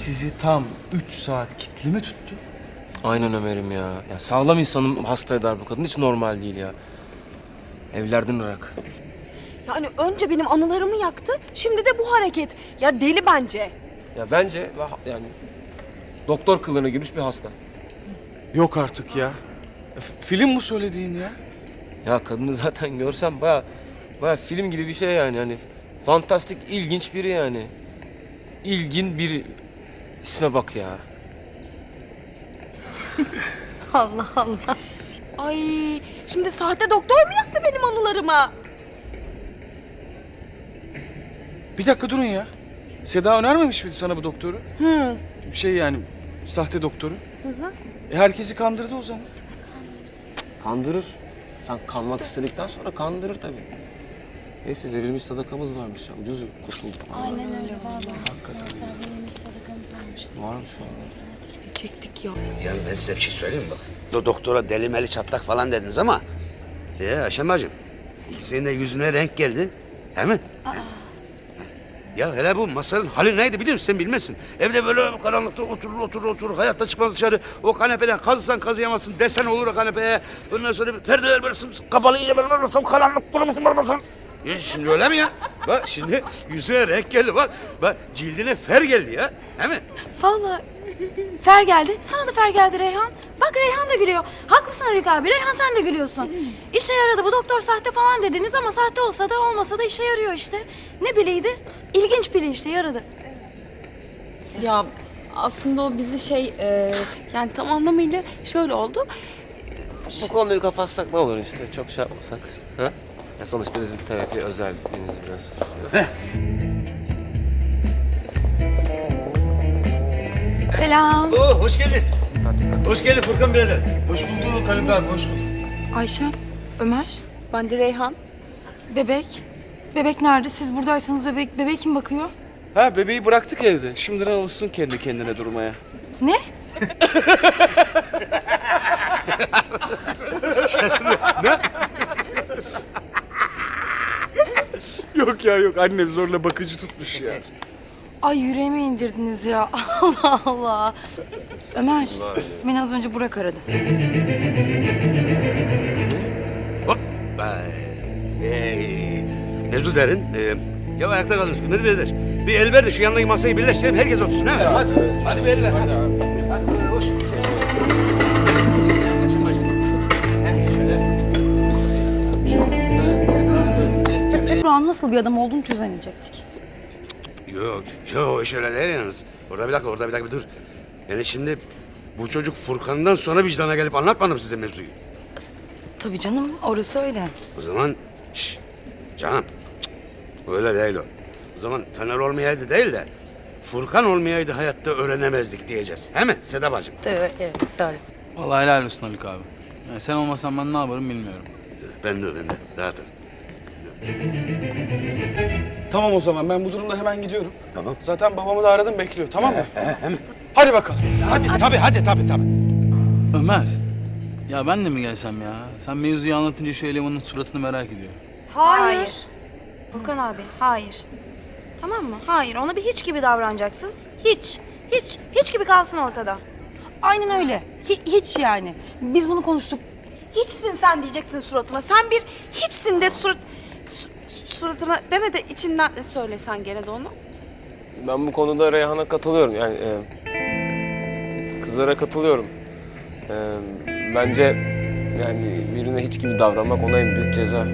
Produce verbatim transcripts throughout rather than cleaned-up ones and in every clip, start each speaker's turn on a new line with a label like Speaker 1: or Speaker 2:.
Speaker 1: sizi tam üç saat kilitli mi tuttu?
Speaker 2: Aynen Ömer'im ya. Ya sağlam insanım hasta eder bu kadın. Hiç normal değil ya. Evlerden ırak.
Speaker 3: Yani önce benim anılarımı yaktı, şimdi de bu hareket. Ya deli bence.
Speaker 2: Ya bence yani doktor kılığına girmiş bir hasta.
Speaker 1: Yok artık ya. E, film bu söylediğin ya.
Speaker 2: Ya kadını zaten görsem baya baya film gibi bir şey yani. Hani fantastik, ilginç biri yani. İlgin biri. İsme bak ya.
Speaker 3: Allah Allah. Ay, şimdi sahte doktor mu yaktı benim anılarımı?
Speaker 1: Bir dakika durun ya. Seda önermemiş miydi sana bu doktoru?
Speaker 3: Hı.
Speaker 1: Şey yani sahte doktoru.
Speaker 3: Hı hı.
Speaker 1: E, herkesi kandırdı o zaman.
Speaker 2: Kandırır. Sen kalmak istedikten sonra kandırır tabii. Neyse verilmiş sadakamız varmış ya. Ucuz kurtulduk.
Speaker 4: Aynen öyle valla. Hakikaten. Verilmiş sadakamız varmış.
Speaker 2: Varmış valla.
Speaker 3: Çektik ya.
Speaker 5: Yalnız ben size bir şey söyleyeyim mi bak? Do doktora deli meli çatlak falan dediniz ama... ...ee Ayşem bacım, senin de yüzüne renk geldi. Değil mi? Aa. Ya hele bu masanın hali neydi biliyor musun? Sen bilmezsin. Evde böyle karanlıkta oturur oturur oturur. Hayatta çıkmaz dışarı. O kanepeden kazısan kazıyamazsın. Desen olur o kanepeye. Ondan sonra perdeler böyle sımsıkı kapalı. iyice böyle ortam karanlık durmasın durmasın. Ya şimdi öyle mi ya? Bak şimdi yüzüne renk geldi bak. Bak cildine fer geldi ya. Değil mi?
Speaker 4: Valla fer geldi. Sana da fer geldi Reyhan. Bak Reyhan da gülüyor. Haklısın Haluk abi. Reyhan sen de gülüyorsun. İşe yaradı. Bu doktor sahte falan dediniz ama sahte olsa da olmasa da işe yarıyor işte. Ne bileydi? İlginç biri işte yaradı.
Speaker 3: Ya aslında o bizi şey, e, yani tam anlamıyla şöyle oldu.
Speaker 2: Bu konuyu kapatsak ne olur işte. Çok şey yapmasak. Ha? Ya sonuçta bizim terapi özel biraz.
Speaker 4: Selam.
Speaker 5: Oo, hoş geldiniz. Hoş geldin Furkan birader.
Speaker 1: Hoş bulduk Haluk abi, hoş bulduk.
Speaker 4: Ayşe, Ömer,
Speaker 3: Ben de Reyhan.
Speaker 4: bebek. Bebek nerede? Siz buradaysanız bebek, bebeğe kim bakıyor?
Speaker 1: Ha bebeği bıraktık evde. Şimdiden alışsın kendi kendine durmaya.
Speaker 4: Ne?
Speaker 1: Yok ya yok, annem zorla bakıcı tutmuş ya.
Speaker 4: Ay yüreğime indirdiniz ya. Allah Allah. Ömer, beni az önce Burak aradı.
Speaker 5: Hop. Vay. Hey. Mevzu derin. Ee, ya ayakta kaldınız. Ömer birader. Bir el ver de şu yanındaki masayı birleştirelim. Herkes otursun ha. Hadi. Hadi bir el ver. Hadi. Hadi. Hadi. Hoş. Açın başım. Heh, şöyle.
Speaker 4: Burak'ın nasıl bir adam olduğunu çözemeyecektik.
Speaker 5: Yok, yok iş öyle değil yalnız. Orada bir dakika, orada bir dakika bir dur. Yani şimdi bu çocuk Furkan'dan sonra vicdana gelip anlatmadım size mevzuyu.
Speaker 4: Tabii canım, orası öyle.
Speaker 5: O zaman, şş, canım, öyle değil o. O zaman Taner olmayaydı değil de Furkan olmayaydı hayatta öğrenemezdik diyeceğiz. He mi Seda bacım?
Speaker 4: Evet, evet, doğru.
Speaker 6: Vallahi helal olsun Haluk abi. Yani sen olmasan ben ne yaparım bilmiyorum.
Speaker 5: Ben de, ben de. Rahat ol.
Speaker 1: Tamam o zaman, ben bu durumda hemen gidiyorum.
Speaker 5: Tamam.
Speaker 1: Zaten babamı da aradım, bekliyor, tamam mı? Hadi bakalım.
Speaker 5: Hadi, tabii, hadi, tabii, tabii.
Speaker 6: Ömer, ya ben de mi gelsem ya? Sen mevzuyu anlatınca şu elemanın suratını merak ediyorum.
Speaker 4: Hayır. Furkan abi, hayır. Tamam mı? Hayır, ona bir hiç gibi davranacaksın. Hiç, hiç, hiç gibi kalsın ortada. Aynen öyle. Hi- hiç yani. Biz bunu konuştuk.
Speaker 3: Hiçsin sen diyeceksin suratına. Sen bir hiçsin de surat... su- suratına deme de içinden de söylesen gene de onu.
Speaker 2: Ben bu konuda Reyhan'a katılıyorum. Yani e, kızlara katılıyorum. E, bence yani birine hiç gibi davranmak ona en büyük ceza.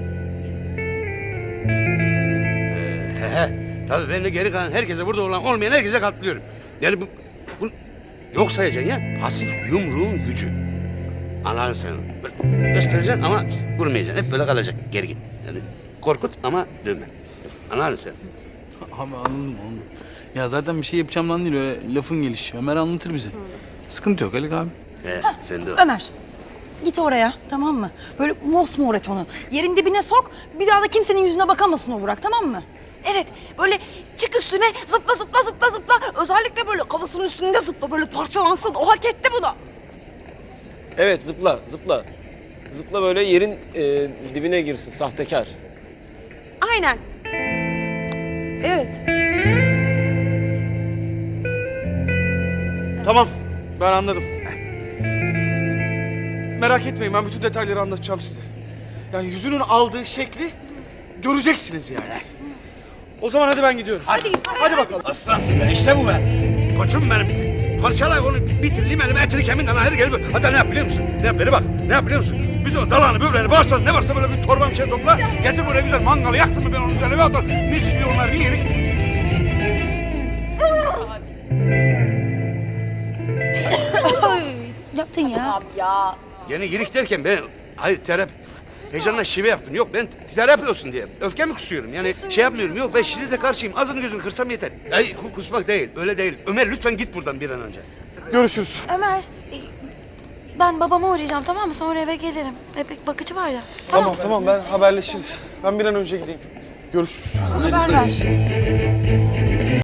Speaker 5: He he. Tabii ben de geri kalan herkese, burada olan olmayan herkese katılıyorum. Yani bu, bu yok sayacaksın ya. Pasif yumruğun gücü. Anladın sen onu. Böyle göstereceksin ama vurmayacaksın. Hep böyle kalacak gergin. Yani korkut ama dövme. Anladın sen.
Speaker 6: Abi anladım anladım. Ya zaten bir şey yapacağımdan değil öyle lafın gelişi. Ömer anlatır bize. Sıkıntı yok Haluk abi.
Speaker 5: He, sen de o.
Speaker 4: Ömer, git oraya, tamam mı? Böyle mosmor et onu. Yerin dibine sok, bir daha da kimsenin yüzüne bakamasın o Burak, tamam mı?
Speaker 3: Evet, böyle çık üstüne zıpla zıpla zıpla zıpla. Özellikle böyle kafasının üstünde zıpla, böyle parçalansın. O hak etti bunu.
Speaker 2: Evet zıpla zıpla. Zıpla böyle yerin e, dibine girsin sahtekar.
Speaker 3: Aynen. Evet.
Speaker 1: Tamam, ben anladım. Merak etmeyin, ben bütün detayları anlatacağım size. Yani yüzünün aldığı şekli göreceksiniz yani. O zaman hadi ben gidiyorum. Hadi, hadi bakalım.
Speaker 5: Aslansın be, işte bu be. Koçum benim. Parçala onu, bitir limanı, etini kemiğinden ayrı gel. Hatta ne yap biliyor musun? Ne yap, beri bak. Ne yap biliyor musun? Biz o dalağını, böbreğini, bağırsağını ne varsa böyle bir torba bir şey topla. Getir buraya güzel mangalı yaktın mı ben onun üzerine bir atar. Mis gibi onlar bir yerik.
Speaker 4: Ne yaptın ya?
Speaker 5: Yeni yirik derken ben, hayır terap, heyecanla şive yaptım. Yok ben terapi olsun diye. Öfke mi kusuyorum? Yani şey yapmıyorum. Yok ben şiddete karşıyım. Ağzını gözünü kırsam yeter. Ay ku- kusmak değil, öyle değil. Ömer lütfen git buradan bir an önce.
Speaker 1: Görüşürüz.
Speaker 4: Ömer, e, ben babama uğrayacağım tamam mı? Sonra eve gelirim. Bebek bakıcı var ya.
Speaker 1: Tamam, tamam, ben haberleşiriz. Ben bir an önce gideyim. Görüşürüz.
Speaker 4: Haber ver.